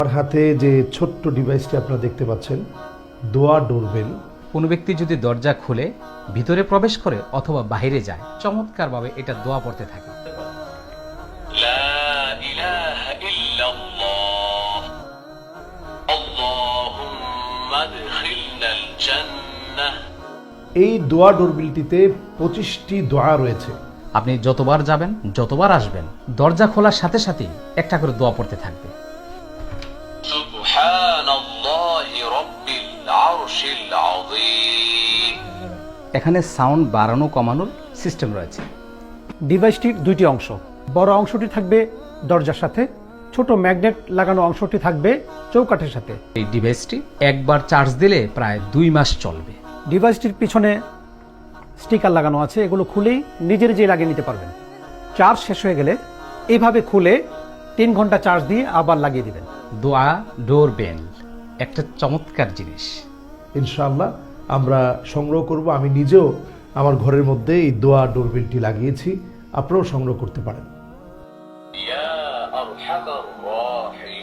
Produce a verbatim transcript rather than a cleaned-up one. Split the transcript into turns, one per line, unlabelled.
আমার হাতে যে ছোট্ট ডিভাইসটি আপনারা দেখতে পাচ্ছেন, দোয়া ডোরবেল।
কোনো ব্যক্তি যদি দরজা খুলে ভিতরে প্রবেশ করে অথবা বাইরে যায়, চমৎকারভাবে এটা দোয়া পড়তে থাকে।
লা ইলাহা ইল্লাল্লাহ আল্লাহুম্মা আদখিলনাল জান্নাহ।
এই দোয়া ডোরবেলটিতে পঁচিশটি দোয়া রয়েছে।
আপনি যতবার যাবেন, যতবার আসবেন, দরজা খোলার সাথে সাথেই একটা করে দোয়া পড়তে থাকবে।
সুবহানাল্লাহি রাব্বিল আরশিল আযীম।
এখানে সাউন্ড বাড়ানো কমানোর সিস্টেম রয়েছে।
ডিভাইসটির দুইটি অংশ, বড় অংশটি থাকবে দরজার সাথে, ছোট ম্যাগনেট লাগানো অংশটি থাকবে চৌকাঠের সাথে।
এই ডিভাইসটি একবার চার্জ দিলে প্রায় দুই মাস চলবে।
ডিভাইসটির পিছনে স্টিকার লাগানো আছে, এগুলো খুলেই নিজের যে লাগিয়ে নিতে পারবেন। চার্জ শেষ হয়ে গেলে এইভাবে খুলে তিন ঘন্টা চার্জ দিয়ে আবার লাগিয়ে দিবেন।
দোয়া ডোরবেল একটা চমৎকার জিনিস।
ইনশাআল্লাহ আমরা সংগ্রহ করব। আমি নিজেও আমার ঘরের মধ্যে এই দোয়া ডোরবেলটি লাগিয়েছি, আপনারাও সংগ্রহ করতে পারেন।
ইয়া আরহামার রাহিম।